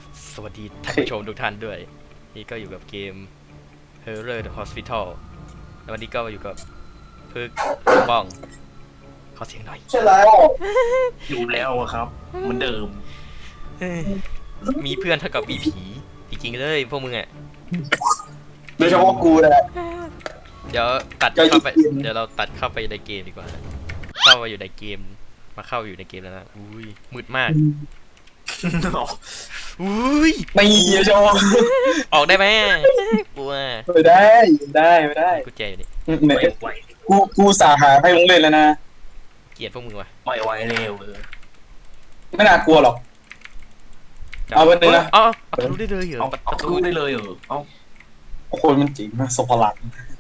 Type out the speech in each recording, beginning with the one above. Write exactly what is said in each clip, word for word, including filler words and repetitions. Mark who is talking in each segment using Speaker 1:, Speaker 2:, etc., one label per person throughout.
Speaker 1: สวัสดีท่านผู้ชมทุกท่านด้วยนี่ก็อยู่กับเกม Horror the Hospital แล้ววันนี้ก็อยู่กับพึกบ้องขอเสียงหน่อย
Speaker 2: ใช่แล้ว
Speaker 3: อยู่แล้วอะครับเหมือนเดิม
Speaker 1: มีเพื่อนเท่ากับมีผีจริงๆเลยพวกมึงอ่ะ
Speaker 2: โดยเฉพาะกูนะ
Speaker 1: เดี๋ยวตัด
Speaker 2: ก็
Speaker 1: เข้าไป
Speaker 2: ยิง
Speaker 1: เดี๋ยวเราตัดเข้าไปในเกมดีกว่าเข้ามาอยู่ในเกมมาเข้าอยู่ในเกมแล้วนะอุ้ยมืดมากอุ้ย
Speaker 2: ไม่โดยเฉพาะ
Speaker 1: ออกได้ไหมกลัว
Speaker 2: ไม่ได้ไม่ได้ไม่ได้
Speaker 1: กูแจอยู่นี่
Speaker 2: เนี่ย
Speaker 3: ไม่ไหว
Speaker 2: กูกูสาหาให้มึงเล่นแล้วนะ
Speaker 1: เกลียดพวกมึงว่ะ
Speaker 3: ไม่ไหวเร็วเออ
Speaker 2: ไม่น่ากลัวหรอก เอาไปเลยนะ
Speaker 1: อ๋อเอาทะลุได้เลยเหรอ
Speaker 3: เอาเอาทะลุได้เลยเหรอเอา
Speaker 2: โอ้โหมันจริงนะสพลัง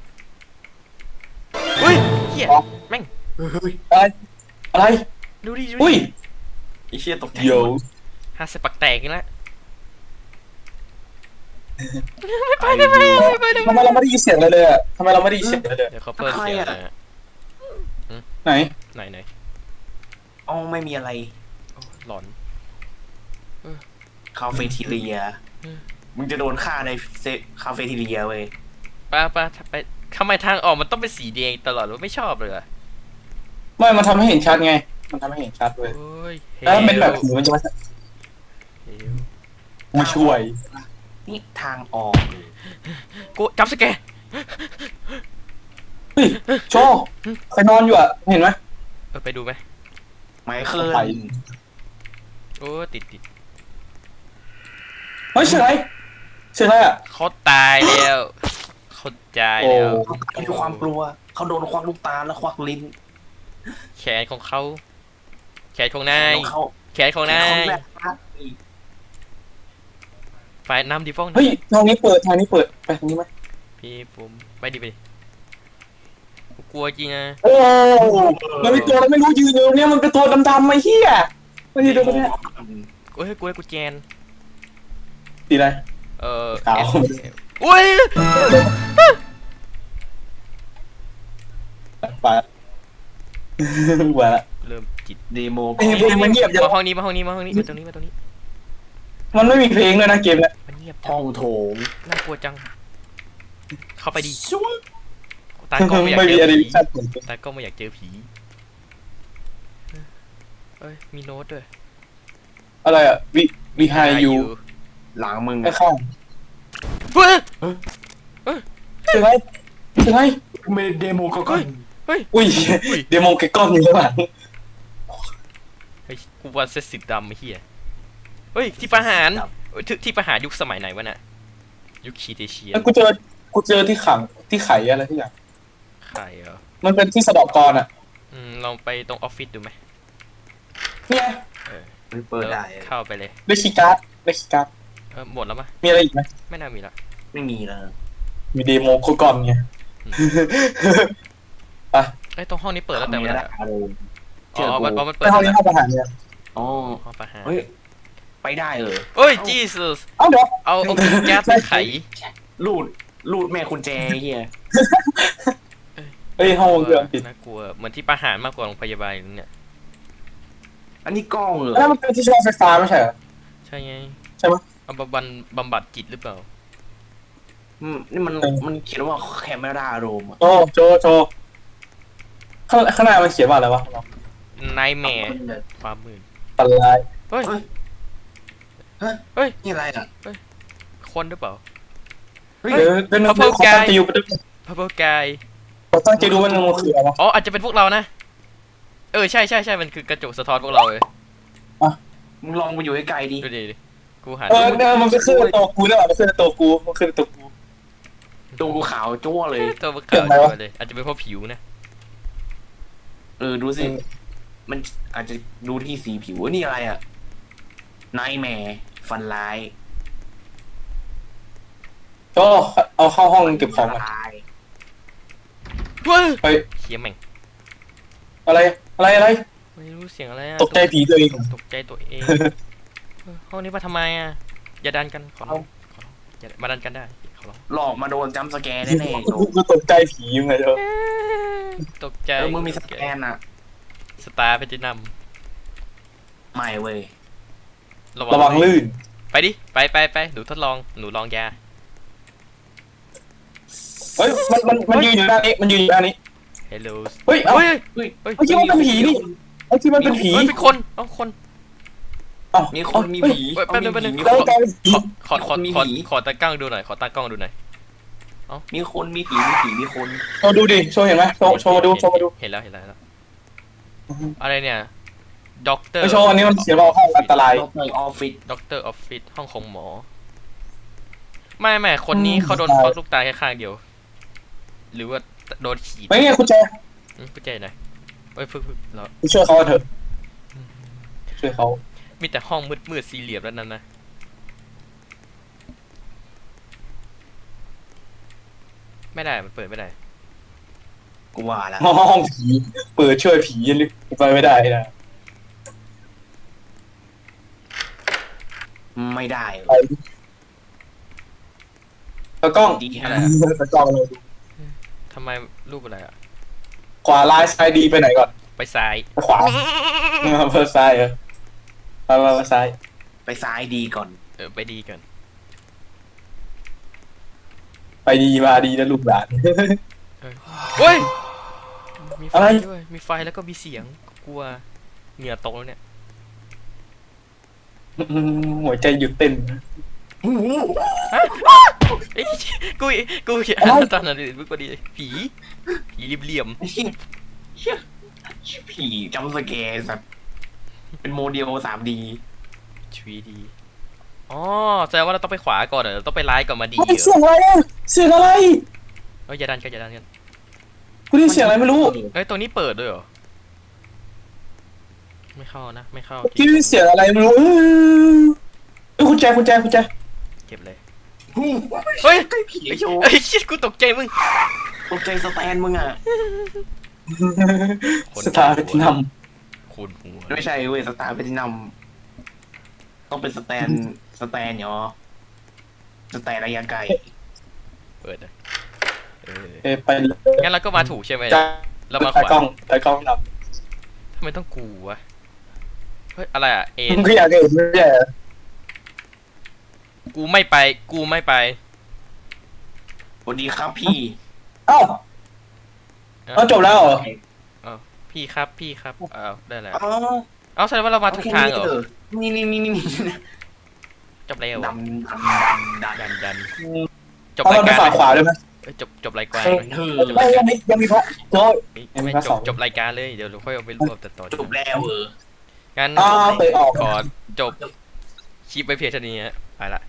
Speaker 1: อุ้ยเฮียแม่ง
Speaker 3: เฮ้ย
Speaker 2: อะไรอะไร
Speaker 1: ดูดิดู
Speaker 2: อุ้ย
Speaker 1: ดิ
Speaker 3: ไอเชี่ยตกใจ
Speaker 2: เดี๋ยว
Speaker 1: ห้าสิบปักแตกกันแล้ว
Speaker 3: ไปได้ไหม
Speaker 2: ทำไมเราไม่ได้ยินเสียงเลยเลยอ่ะทำไมเราไม่ได้ยินเสียงเลยเลย
Speaker 1: เดี๋ยวเขาเปิดเสียงอะไรอะ
Speaker 2: ไหน
Speaker 1: ไหนไหน
Speaker 3: อ๋อไม่มีอะไร
Speaker 1: โอ้หลอน
Speaker 3: คาเฟ่ทีเรีย
Speaker 1: อืม
Speaker 3: มึงจะโดนฆ่าในเซคาเฟ่ทีเรียเว้ย
Speaker 1: ป้าป้าไปทำไมทางออกมันต้องเป็นสีแดงตลอดวะไม่ชอบเลยเหรอ
Speaker 2: ไม่มันทำให้เห็นชัดไง มันทำให้เห็นชัดเว้ย
Speaker 1: โอ้ย
Speaker 2: แล้วมันเป็นแบบผีมันจะมา
Speaker 1: เฮล
Speaker 2: กูช่วย
Speaker 3: นี่ทางออก
Speaker 1: กูจับสแกร์
Speaker 2: เฮ้ยโชว์ใครนอนอยู่อ่ะเห็นไหม
Speaker 1: เออไปดูไหม
Speaker 3: ไมเคิล
Speaker 2: ไป
Speaker 1: โอ้ติดติด
Speaker 2: เฮ้ยเสียงอะไรเสียงอะไรอ่ะ
Speaker 1: เขาตายแล้วเขาตาย
Speaker 2: โอ้
Speaker 1: แล้ว
Speaker 3: เขามีความกลัวเขาโดนควักลูกตาแล้วควักลิ้น
Speaker 1: แขนของเขาแขนของนาย
Speaker 3: แล้วเขา
Speaker 1: แขนของนาย
Speaker 3: เขาแบบว่า
Speaker 1: ไฟน้ำดีฟ้อง
Speaker 2: เฮ้ยทางนี้เปิดทางนี้เปิดไปทางนี้ไหม
Speaker 1: พี่ผมไปดิไปดิกูกลัวจริงนะ
Speaker 2: โอ้มันมีตัวอะไรไม่รู้ยืนอยู่เนี่ยมันเป็นตัวดำๆไอ้เหี้ยไม่ใช่ตัวเนี่ย
Speaker 1: กูให้กูให้กูแจน
Speaker 2: สีอะไร
Speaker 1: เออ
Speaker 2: ขาว
Speaker 1: เอสอุ้ย
Speaker 2: ไปหัวละ
Speaker 1: เริ่มจิต
Speaker 3: เดโม
Speaker 2: ไอ้เพลงมันเงียบจัง
Speaker 1: มาห้องนี้มาห้องนี้มาห้องนี้มาตรงนี้มาตรงนี้
Speaker 2: มันไม่มีเพลงเลยนะเกมเนี่ย
Speaker 1: มันเงียบจั
Speaker 3: ห้อง งโถง
Speaker 1: น่ากลัวจัง เข้าไปดิ
Speaker 3: ช่วง
Speaker 1: ตากล้องไม่อยาก
Speaker 2: ไม่
Speaker 1: เจ
Speaker 2: มี
Speaker 1: อ
Speaker 2: อะไร
Speaker 1: ผี
Speaker 2: ชัด
Speaker 1: ตากล้องไม่อยากเจอผีเอ้ยมีโน้ตด้วย
Speaker 2: อะไรอ่ะวิวิไฮยู
Speaker 3: หลังมึง
Speaker 2: ข้าง
Speaker 1: เฮ้ย
Speaker 2: ๆเสียงอะไรเสียงอะไร
Speaker 3: เมเดโมก็ก่อน
Speaker 1: เฮ้ย
Speaker 2: อุ้ยเดโมเกก้อนอยู่ข้างหลัง
Speaker 1: เฮ้ยกูว่าเซตสิบดำไอ้เหี้ยเฮ้ยที่ประหารเอ้ยที่ที่ประหารยุคสมัยไหนวะน่ะยุคคีเตเชีย
Speaker 2: แล้วกูเจอกูเจอที่ขังที่ไขอะไรที่อย่าง
Speaker 1: ใครเหรอ
Speaker 2: มันเป็นที่สะเดอกกรอ่ะ
Speaker 1: อืมลองไปตรงออฟฟิศดูไหม
Speaker 2: เนี่ย
Speaker 3: มันเปิดได้
Speaker 1: แล้วเข้าไปเลย
Speaker 2: ได้คีย์การ์ดได้คีย์การ์ด
Speaker 1: เออหมดแล้วมะ
Speaker 2: มีอะไรอีกไหม
Speaker 1: ไม่น่ามีละ
Speaker 3: ไม่มีแล้ว
Speaker 2: มีเดโมโคกอนไง ไป
Speaker 1: ไอ้ยตรงห้องนี้เปิดแล้วแต่เวลา
Speaker 3: อารมณ์
Speaker 1: อ๋อมันอ๋อมันเปิ
Speaker 2: ไป
Speaker 1: ด
Speaker 2: ห้อง
Speaker 1: แล้ว
Speaker 2: นี้ห้องประหารเนี่ย
Speaker 3: อ๋อ
Speaker 1: ห้องประหาร
Speaker 3: เฮ้ยไปได้เออ
Speaker 1: เฮ้ยจีสุส
Speaker 2: เอ้าเดี๋ยว
Speaker 1: เอาเอากุญแจไปไข
Speaker 3: ลูดลูดแม่คุณแจเฮีย
Speaker 2: เฮ้ยห้องวงจรปิด
Speaker 1: น่ากลัวเหมือนที่ประหารมากกว่าโรงพยาบาลเนี่ย
Speaker 3: อันนี้กล้องเหรอ
Speaker 2: แล้วมันเป็นที่ชาร์จไฟฟ้าไม่ใช่เหรอ
Speaker 1: ใช่ไง
Speaker 2: ใช่ไหม
Speaker 1: เอาบำบัดบำบัดจิตหรือเปล่า
Speaker 3: อืมนี่มันมันเขียนว่าแคมเมราโรมอะ
Speaker 2: โอ้โจโจข้างข้างหน้ามันเขียนว่าอะไรวะ
Speaker 1: นายแม่ความมืด
Speaker 2: ปันลาย
Speaker 1: เฮ้ย
Speaker 3: เฮ้ย
Speaker 1: เฮ้ย
Speaker 3: นี่อะไรอ่ะ
Speaker 1: คนหรือเปล่า
Speaker 3: เฮ้ย
Speaker 2: เดี๋ยวเป็น
Speaker 1: เขา
Speaker 2: เขา
Speaker 1: เพิ่
Speaker 2: ตั้
Speaker 1: ง
Speaker 2: งใจอยู่
Speaker 1: พับเบิลกาย
Speaker 2: เขาตั้งใจดูว่ามันคืออะไรวะ
Speaker 1: อ๋ออาจจะเป็นพวกเรานะเออใช่ใช่ใช่มันคือกระจกสะท้อนพวกเราเลย
Speaker 3: มึงลองไปอยู่ใกล้ๆดิ
Speaker 1: ดูดิดิกูหา
Speaker 2: เออเออมันเป็นขึ้นในตัวกูได้หรอมันขึ้นในตัวกูมันขึ้นในตัวกู
Speaker 3: ดูกูขาวจั่วเลย
Speaker 1: ตัวมันขาวจัวเลยอาจจะเป็นเพราะผิวนะ
Speaker 3: เออดูสิ มันอาจจะดูที่สีผิวเอ้ยนี่อะไรอ่ะนายแม่ฟันลาย
Speaker 2: ก็เอาเข้าห้องเก็บของมา
Speaker 3: ลาย
Speaker 1: เฮ้ย
Speaker 2: ไป
Speaker 1: เขียแม่ง
Speaker 2: อะไรอะไรอะไร
Speaker 1: ไม่รู้เสียงอะไรอะ
Speaker 2: ตกใจผีตัวเอง
Speaker 1: ตกใจตัวเองเออห้องนี้มาทำไมอ่ะอย่าดันกันขอร้องขอร้องอย่ามาดันกันได้ขอร้อง
Speaker 3: หลอกมาโดนจัมป์สแกร์แน่ๆโจ
Speaker 2: กูตกใจผียังไงเจ้า
Speaker 1: ตกใจ
Speaker 3: เออมึงมีสแกนอ่ะ
Speaker 1: สตาร์แพทินัม
Speaker 3: ไม่เว้ย
Speaker 2: ระวังลื่น
Speaker 1: ไปดิไปไปไปหนูทดลองหนูลองยา
Speaker 2: เฮ้ยมันมันมันยืนอยู่ด้านนี้มันยืนอยู่ด้านนี้
Speaker 1: Hello
Speaker 2: เฮ้ยเอ้า
Speaker 1: เฮ้ย
Speaker 3: เฮ้ย
Speaker 1: เฮ้ย
Speaker 2: เมื่อกี้มันเป็นผีนี่เมื่อกี้มันเป็นผี
Speaker 1: เฮ้ยเป็นคนเอ้าคน
Speaker 2: เอ้า
Speaker 3: มีคนมีผี
Speaker 1: เฮ้ยแป๊บนึงแป๊บนึง
Speaker 3: มี
Speaker 2: แล้ว
Speaker 3: คน
Speaker 2: กลายเป็นผี
Speaker 1: ขอขอขอ
Speaker 3: มี
Speaker 1: ขอ
Speaker 3: ผี
Speaker 1: ขอตากล้องดูหน่อยขอตากล้องดูหน่อย
Speaker 3: มีคนมีผีมีผีมีคน
Speaker 2: โชว์ดูดิโชว์เห็นไหมโชว์โชว์มาดูโชว์มาดู
Speaker 1: เห็นแล้วเห็นแล้วเห็นแล้วอะไรเนี่ยด็อกเตอร์
Speaker 2: ไปโชว์อันนี้มันเสียเราห้องอันตราย
Speaker 3: ด็อกเตอร์ออฟฟิศ
Speaker 1: ด็อกเตอร์ออฟฟิศห้องของหมอไม่ไม่คนนี้
Speaker 2: อืม
Speaker 1: เขาโดน
Speaker 2: ใช่
Speaker 1: ควักลูกตาแค่ข้างเดียว หรือว่าโดนขีด
Speaker 2: ไม่เนี่ยคุณแจ
Speaker 1: อืมกูใจหน่อยเอ้ยพึ่งพึ่งเรา
Speaker 2: ไปช่วยเขาเถอะช่วยเขา
Speaker 1: มีแต่ห้องมืดมืดสี่เหลี่ยมแล้วนั่นนะไม่ได้มันเปิดไม่ได้
Speaker 3: กูว่าแล้ว
Speaker 2: ห้องผีเปิดช่วยผีลึกไปไม่ได้นะ
Speaker 3: ไม่ได้
Speaker 2: ไปตากล้อง
Speaker 3: ดี
Speaker 1: อะไร
Speaker 3: ฮะ
Speaker 1: อะ
Speaker 2: ตากล้องเลย
Speaker 1: ทำไมรูปอะไรอ่ะ
Speaker 2: ขวาลายซ้ายดีไปไหนก่อน
Speaker 1: ไปซ้าย
Speaker 2: ไปขวาเพิ่มซ้ายเออไปไปไปซ้าย
Speaker 3: ไปซ้ายดีก่อน
Speaker 1: เออไปดีกัน
Speaker 2: ไปดีมาดีนะลูกหลาน
Speaker 1: เฮ้ยมีไฟ
Speaker 2: อะไร
Speaker 1: ด้วยมีไฟแล้วก็มีเสียงกลัวเหงื่อตกแล้วเนี่ย
Speaker 2: อืมหัวใจหยุดเต้น
Speaker 1: เอ้ยกูกูเห็น
Speaker 2: อะไร
Speaker 1: ตอนนั้นมึงพอดีผีผีเหลี่ยม
Speaker 3: เชี่ยเชี่ยเชี่ยผีจำสแกร์สัตว์เป็นโมเดล สามดี
Speaker 1: ๆ ทรี ดี อ๋อแสดงว่าเราต้องไปขวาก่อนเหรอเราต้องไปร้ายก่อนมาดีเหร
Speaker 2: เฮ้ย
Speaker 1: อ
Speaker 2: เสียงอะไรอะเสียงอะไร
Speaker 1: เอ้ยอย่าดันกันอย่าดันกัน
Speaker 2: กูได้ยินเสียงอะไรไม่รู้
Speaker 1: เอ้ยตัวนี้เปิดด้วยเหรอไม่เข้านะไม่เข้า
Speaker 2: เมื่อกี้ได้ยินเสียงอะไรไม่รู้เออเอ้ยคุณแจคุณแจคุณแจ
Speaker 1: เก็บเลย
Speaker 3: เฮ้
Speaker 1: เฮ้ย
Speaker 3: ยผีโชว์
Speaker 1: เอ้ยชิดกูตกใจมึง
Speaker 3: ตกใจสแตนมึงอ่ะ
Speaker 1: คน
Speaker 2: สตาร์เป็นน
Speaker 1: คูณหัว
Speaker 3: ไม่ใช่เว้ยสตาร์เป็นที่นำต้องเป็นสแตนสแตนเนาะสแตนระยะไกล
Speaker 1: เปิดนะเออ
Speaker 2: ำเอ้ยไปดิ
Speaker 1: งั้นเราก็มาถูกใช่ไหม
Speaker 2: จ้า
Speaker 1: เรามาข
Speaker 2: ตาว
Speaker 1: าก
Speaker 2: ล้องตากล้องน
Speaker 1: ทำไมต้องกูวะเฮ้ยอะไรอ่ะเอ็
Speaker 2: ำ
Speaker 1: น
Speaker 2: มึงก็อยากเห็นไม่ใช่เหรอ
Speaker 1: กูไม่ไปกูไม่ไป
Speaker 3: สวัสดีครับพี่
Speaker 2: เอ้าเอาจบแล้วเหรอ
Speaker 1: พี่ครับพี่ครับอ้าวได้แล้ว
Speaker 3: อ๋อ
Speaker 1: เอาแสดงว่าเรามาถูกทางเหรอ
Speaker 3: นี่นี่นี่นี่นี่
Speaker 1: จบแล้ว
Speaker 3: ดำดำดำดำ
Speaker 1: ดันดันจบ
Speaker 2: เอา
Speaker 1: ราย
Speaker 2: เราไป
Speaker 1: การ
Speaker 2: ฝั่งขวาได้ไหม
Speaker 1: เอ้ยจบจบรายการ
Speaker 3: เฮ้ย
Speaker 1: เลย
Speaker 3: เธอ
Speaker 2: ไม่ยังมียังมีพระโจ้ย ยังมี
Speaker 1: ไม่
Speaker 2: ภาค
Speaker 1: จ
Speaker 2: ส
Speaker 1: บ
Speaker 2: อง
Speaker 1: จบรายการเลยเดี๋ยวเราค่อยเอาไปรวบแต่ต่อ
Speaker 3: จบแล้วเออ
Speaker 1: งั้น
Speaker 2: อ้าวเตะออก
Speaker 1: ขอจบคลิปไปเพียงเท่านี้ฮะไปละ